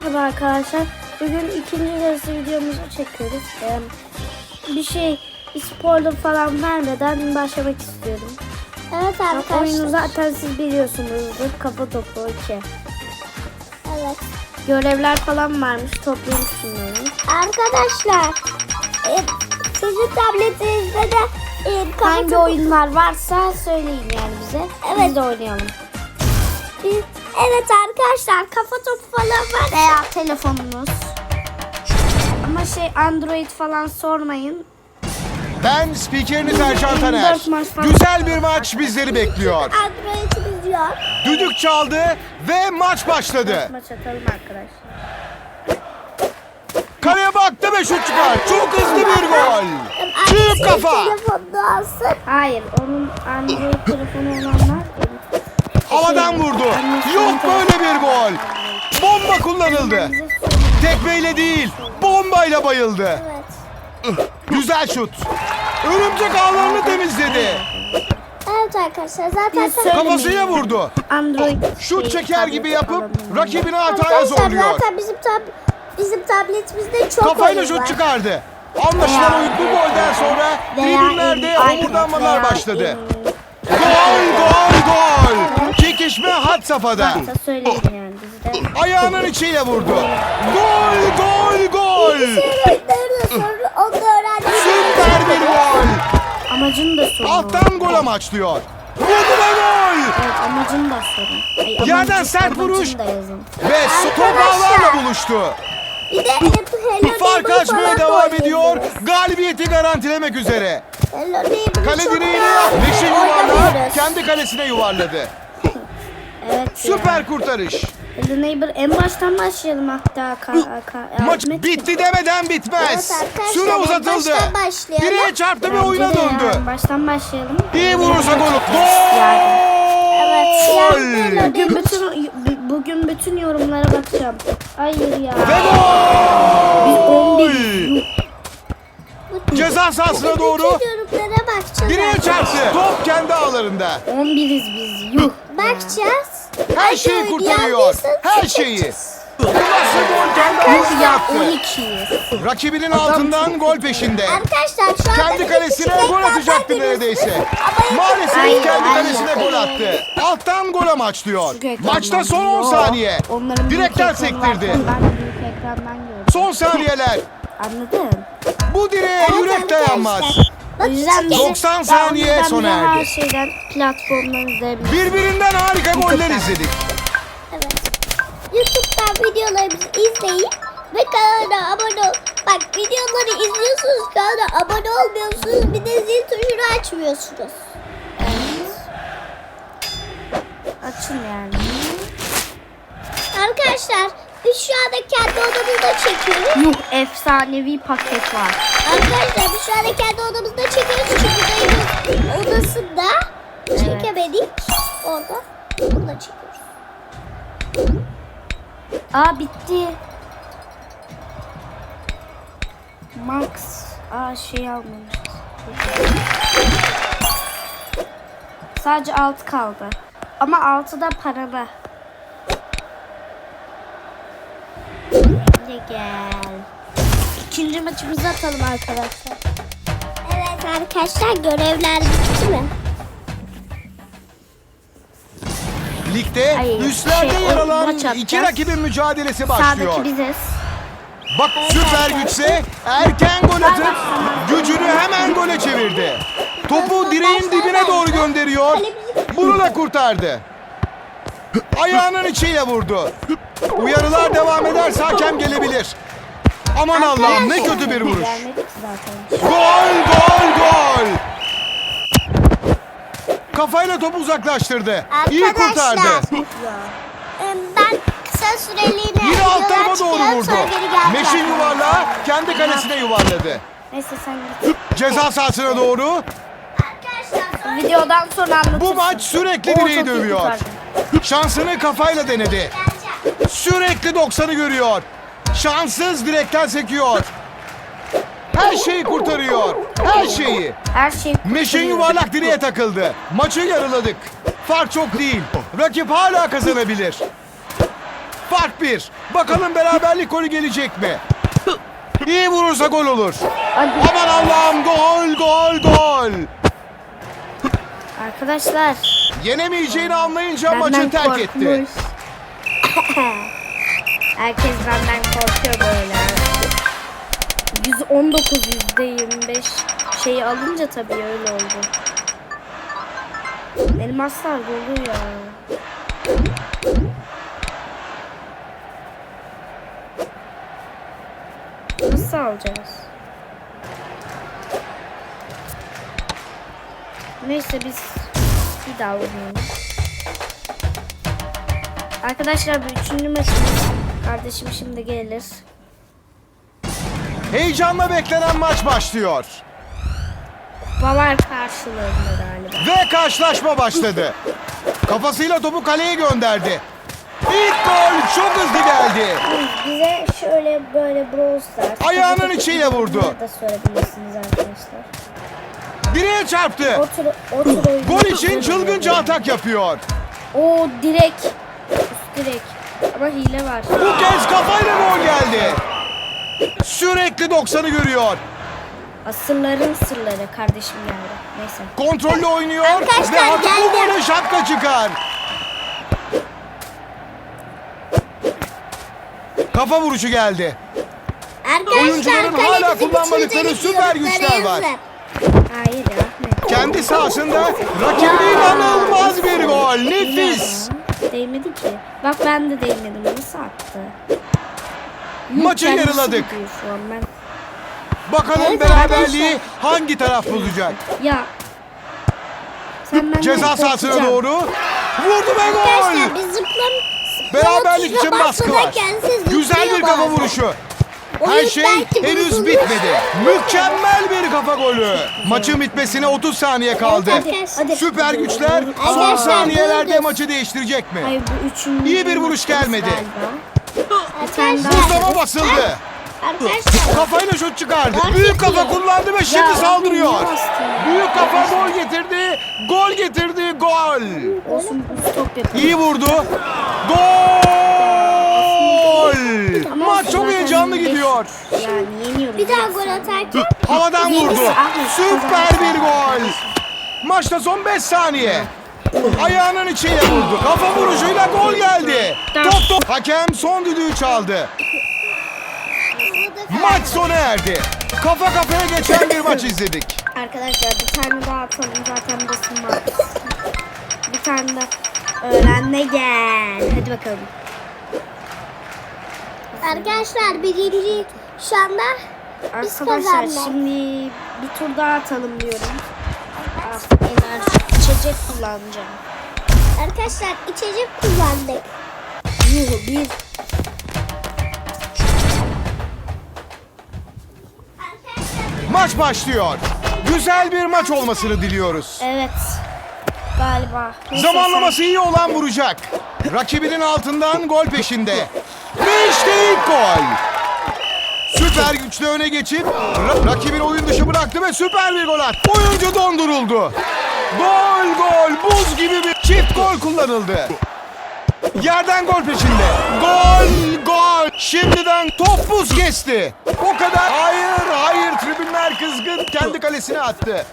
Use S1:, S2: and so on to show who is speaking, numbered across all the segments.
S1: Merhaba arkadaşlar. Bugün ikinci yarısı videomuzu çekiyoruz. Bir şey spoiler falan vermeden başlamak istiyorum.
S2: Evet arkadaşlar.
S1: Oyunu zaten siz biliyorsunuzdur. Kafa topu 2.
S2: Evet.
S1: Görevler falan varmış. Toplayın şunları.
S2: Arkadaşlar sizin tabletinizde de
S1: Hangi oyunlar varsa söyleyin yani bize.
S2: Evet.
S1: Biz de oynayalım.
S2: Evet arkadaşlar, kafa topu falan var.
S1: Veya telefonunuz. Ama Android falan sormayın.
S3: Ben spikeriniz Ercan Taner.
S1: 24 maç falan.
S3: Güzel bir maç bizleri bekliyor.
S2: Android'imiz yok.
S3: Düdük çaldı ve maç başladı.
S1: Maç atalım arkadaşlar.
S3: Kaleye baktı ve şut çıkar. Çok hızlı bir gol. Büyük kafa.
S2: Telefonunu alsın.
S1: Hayır, onun Android telefonu olanlar
S3: Havadan vurdu. Yok böyle bir gol. Bomba kullanıldı. Tekmeyle değil, bombayla bayıldı.
S2: Evet.
S3: Güzel şut. Örümcek ağlarını temizledi.
S2: Evet arkadaşlar, zaten
S1: Biz söylemeyin.
S3: Kafasıyla vurdu.
S1: Android
S3: Şut çeker gibi yapıp
S1: alalım.
S3: rakibini hataya
S2: arkadaşlar
S3: zorluyor.
S2: zaten bizim tabletimizde çok
S3: Kafayla
S2: oyun var.
S3: şut çıkardı. Anlaşılan oyun bu golden sonra tribünlerde homurdanmalar başladı. Gol! Çekişme had safhada.
S1: Varsa söyleyin yani bizde.
S3: Ayağının içiyle vurdu. Gol!
S2: Oyunlarını sonra onu öğrendim.
S3: Süper bir gol.
S1: Amacını da sorun.
S3: Alttan gol amaçlıyor. Vurdu ve gol!
S1: Evet, amacını da sorun. Ay,
S3: Yerden sert vuruş.
S1: amacını da yazın.
S3: Ve top ağlarla buluştu.
S2: Bir de Hello
S3: Fark
S2: Neighbor
S3: açmaya
S2: falan
S3: devam
S2: da
S3: ediyor.
S2: oynayabiliriz.
S3: Galibiyeti garantilemek üzere.
S2: Hello Neighbor'ı
S3: Kale
S2: çok
S3: direğini
S2: da
S3: Beşik yuvarlağı
S2: oynamıyoruz.
S3: kendi kalesine yuvarladı.
S1: Evet.
S3: Süper kurtarış.
S1: Hello Neighbor, en baştan başlayalım hatta.
S3: Maç bitti demeden bitmez.
S2: Evet arkadaşlar,
S3: Süre uzatıldı.
S2: baştan başlayalım.
S3: Direğe çarptı ve
S1: Bence
S3: oyuna
S1: de
S3: döndü.
S1: yani baştan başlayalım.
S3: İyi vurursa gol.
S2: Evet,
S3: Gol!
S1: Bugün bütün yorumlara bakacağım. Hayır ya.
S3: Ve
S1: Biz
S3: gol!
S1: 11.
S3: Ceza sahasına doğru
S2: Bütün yorumlara bakacağız.
S3: direğe çarptı. Top kendi ağlarında.
S1: 11'iz biz. Yuh.
S2: Bakacağız.
S3: Her şeyi kurtarıyor. Her şeyi. Bu nasıl gol kendi ağlarına
S1: Ya
S3: attı.
S1: 12'yiz.
S3: Rakibinin altından gol peşinde.
S2: Arkadaşlar şu anda
S3: Kendi kalesine gol atacaktı neredeyse. Maalesef
S1: Aynen,
S3: kendi
S1: aynen.
S3: kalesine gol attı. Alttan gol amaçlıyor. Maçta son 10 saniye.
S1: Onların büyük
S3: Direkten
S1: ekranı
S3: sektirdi.
S1: var. Ben de büyük ekrandan gördüm.
S3: Son saniyeler.
S1: Anladın?
S3: Bu direğe yürek dayanmaz.
S1: O yüzden bize-
S3: 90 saniye
S1: o yüzden
S3: sona
S1: bize
S3: erdi.
S1: her şeyden platformdan izleyebiliriz.
S3: Birbirinden harika goller izledik.
S2: Evet. YouTube'dan videolarımızı izleyin ve kanala abone ol. Bak, videoları izliyorsunuz, kanala abone olmuyorsunuz, bir de zil tuşunu açmıyorsunuz.
S1: Açın yani.
S2: Arkadaşlar biz şu anda kendi odamızda çekiyoruz.
S1: Yuh, efsanevi paket var.
S2: Arkadaşlar biz şu anda kendi odamızda çekiyoruz çünkü dayımın odasında çekemedik. Orada bunu çekiyoruz.
S1: Aa, bitti. Max. Almamışız. Sadece 6 kaldı. Ama 6 da paralı. Hadi gel. İkinci maçımızı atalım arkadaşlar.
S2: Evet arkadaşlar, görevler bitti mi?
S3: Ligde
S1: Hayır,
S3: üstlerde yer
S1: maç
S3: alan
S1: atacağız.
S3: iki rakibin mücadelesi başlıyor.
S1: Sağdaki biziz.
S3: Bak, süper güçse erken gol atıp gücünü hemen gole çevirdi. Topu direğin dibine doğru gönderiyor. Bunu da kurtardı. Ayağının içiyle vurdu. Uyarılar devam ederse hakem gelebilir. Aman Allah'ım, ne kötü bir vuruş.
S1: Gelmedik zaten.
S3: Gol! Kafayla topu uzaklaştırdı. İyi kurtardı.
S2: Ben kısa süreliğine
S3: Yine alt
S2: videolar
S3: tarafa doğru
S2: çıkıyorum,
S3: vurdu.
S2: sonra geri geleceğim.
S3: Meşin yuvarlağı kendi kalesine yuvarladı.
S1: Neyse sen git.
S3: Ceza sahasına doğru.
S2: Arkadaşlar sonra
S1: Videodan sonra anlatırsın.
S3: Bu maç sürekli
S1: Oo, çok
S3: direği
S1: iyi
S3: dövüyor.
S1: kurtardın.
S3: Şansını kafayla denedi.
S2: geleceğim.
S3: Sürekli 90'ı görüyor. Şanssız direkten sekiyor. Her şeyi kurtarıyor. Her şeyi.
S1: Her şey
S3: Meşin yuvarlak direğe takıldı. Maçı yarıladık. Fark çok değil. Rakip hala kazanabilir. Fark 1. Bakalım beraberlik golü gelecek mi? İyi vurursa gol olur.
S1: Hadi.
S3: Aman Allah'ım, gol gol gol.
S1: Arkadaşlar.
S3: Yenemeyeceğini anlayınca maçı
S1: Benden
S3: terk etti.
S1: korkmuş. Herkes benden korkuyor böyle. 119 %25 şeyi alınca tabii öyle oldu. Elmaslar dolu ya. Nasıl alacağız? Neyse biz bir daha oynayalım. Arkadaşlar bu 3. maçımız. Kardeşim şimdi gelir.
S3: Heyecanla beklenen maç başlıyor.
S1: Kupalar karşılığında galiba.
S3: Ve karşılaşma başladı. Kafasıyla topu kaleye gönderdi. İlk gol çok hızlı geldi.
S1: Bize şöyle böyle Brawl Stars.
S3: Ayağının içiyle vurdu.
S1: Bunları da sorabilirsiniz arkadaşlar.
S3: Direğe çarptı.
S1: Otur oyunu.
S3: Gol için çılgınca atak yapıyor.
S1: O direk. Üst direk. Ama hile var.
S3: Bu kez kafayla gol geldi. Sürekli 90'ı görüyor.
S1: Asırların sırları kardeşim geldi. Neyse.
S3: Kontrollü oynuyor
S2: Arkadaşlar,
S3: ve artık bu
S2: geldim.
S3: golü şapka çıkar. Kafa vuruşu geldi. Oyuncuların hala kullanmadıkları süper güçler var.
S1: Hayır ya. Ne?
S3: Kendi sahasında rakibine inanılmaz bir gol. Nefis.
S1: Ya, değmedi ki. Bak ben de değmedim. Nasıl attı?
S3: Maçı
S1: Kendisi
S3: yarıladık.
S1: gidiyor şu an ben.
S3: Bakalım
S2: Evet,
S3: beraberliği hangi taraf bulacak?
S1: Ya. Sen benden
S3: Ceza sahasına
S1: korkacaksın.
S3: doğru. Vurdu ve gol.
S2: Arkadaşlar biz
S3: Beraberlik için baskı var. Güzel bir kafa vuruşu. Her şey henüz bitmedi. Mükemmel bir kafa golü. Maçın bitmesine 30 saniye kaldı.
S1: Hadi.
S3: Süper güçler son
S2: Arkadaşlar,
S3: saniyelerde
S2: bulduk.
S3: maçı değiştirecek mi?
S1: Hayır bu üçüncü.
S3: İyi bir vuruş gelmedi.
S2: Arkadaşlar.
S3: Buzlama basıldı.
S2: Arkadaşlar.
S3: Kafayla şut çıkardı.
S2: Fark
S3: Büyük kafa
S2: ediyor.
S3: kullandı ve şimdi
S1: Ya,
S3: saldırıyor.
S1: niye bastın ya?
S3: Büyük kafa gol getirdi. Gol getirdi. Gol.
S1: Olsun stop yapalım.
S3: İyi vurdu. Gol.
S1: Ama
S3: Maç çok
S1: zaten
S3: heyecanlı
S1: beş-
S3: gidiyor.
S1: Yani yeniyoruz.
S2: Bir daha gol atarken
S3: Havadan vurdu.
S1: Ahmet,
S3: Süper bir gol. Maçta son 5 saniye. Ayağının içiyle vurdu. Kafa vuruşuyla gol geldi. Top. Hakem son düdüğü çaldı. Maç sona erdi. Kafa kafaya geçen bir maç izledik.
S1: Arkadaşlar bir tane daha atalım zaten basın var. Bir tane de öğrenme gel. Hadi bakalım.
S2: arkadaşlar birinci şu anda biz
S1: Arkadaşlar
S2: kazandık.
S1: şimdi bir tur daha atalım diyorum. Enerji içecek kullanacağım.
S2: Arkadaşlar içecek kullandık.
S1: Yuhu bir.
S3: Maç başlıyor. Güzel bir maç olmasını diliyoruz.
S1: Evet. Galiba. Neyse,
S3: Zamanlaması iyi olan vuracak. Rakibinin altından gol peşinde. Ve işte ilk gol. Süper güçle öne geçip rakibin oyun dışı bıraktı ve süper bir gol attı. Oyuncu donduruldu. Gol gol buz gibi bir çift gol kullanıldı. Yerden gol peşinde. Gol gol. Şimdiden top buz kesti. O kadar. Hayır hayır tribünler kızgın kendi kalesine attı.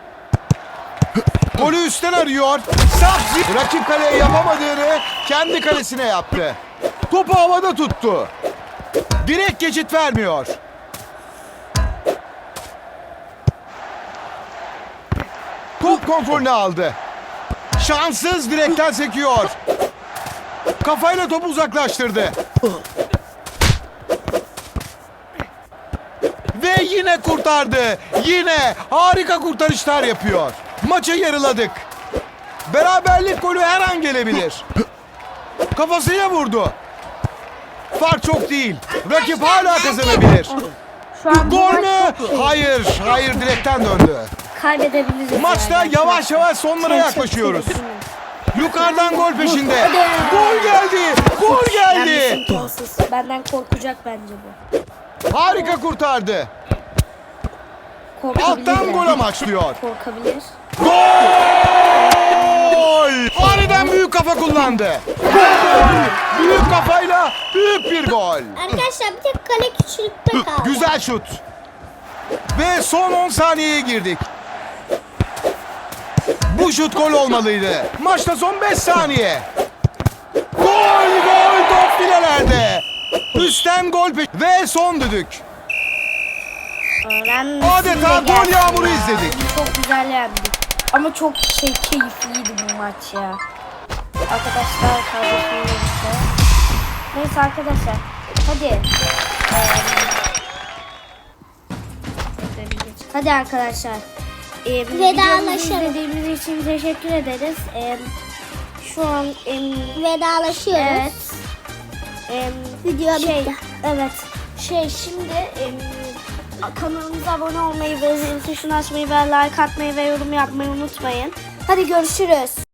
S3: Golü üstten arıyor. Sahsi rakip kaleye yapamadığını kendi kalesine yaptı. Topu havada tuttu. Direkt geçit vermiyor. Top kontrolünü aldı. Şanssız direkten sekiyor. Kafayla topu uzaklaştırdı. Ve yine kurtardı. Yine harika kurtarışlar yapıyor. Maçı yarıladık. Beraberlik golü her an gelebilir. Kafasıyla vurdu. Fark çok değil. Rakip hala kazanabilir.
S1: Şu an bu
S3: Gol
S1: maç
S3: mü?
S1: çok iyi.
S3: Hayır, hayır direkten döndü.
S1: Kaybedebiliriz.
S3: Maçta
S1: yani.
S3: yavaş yavaş sonlara yaklaşıyoruz. Yukarıdan gol peşinde.
S1: Hadi.
S3: Gol geldi. Gol
S1: Ben
S3: geldi.
S1: imkansız. Benden korkacak bence bu.
S3: Harika kurtardı.
S1: Korkabilir
S3: Alttan
S1: de.
S3: gol amaçlıyor.
S1: Korkabilir.
S3: Gol! Gol! Aniden büyük kafa kullandı. Gol! Büyük kafayla büyük bir gol.
S2: Arkadaşlar bir tek kale küçülükte kaldı.
S3: Güzel şut. Ve son 10 saniyeye girdik. Bu şut gol olmalıydı. Maçta son 5 saniye. Gol, gol, top filelerde. Üstten gol ve son düdük. Adeta gol yağmuru izledik.
S1: Çok güzel yendik. Ama çok keyifliydi bu maç ya. Arkadaşlar kardeşimizle. Neyse arkadaşlar. Hadi. Hadi arkadaşlar. Videomuzu izlediğiniz için teşekkür ederiz. Şu an
S2: Vedalaşıyoruz.
S1: evet.
S2: Video bitti.
S1: Evet. Şimdi kanalımıza abone olmayı ve zil tuşunu açmayı ve like atmayı ve yorum yapmayı unutmayın. Hadi görüşürüz.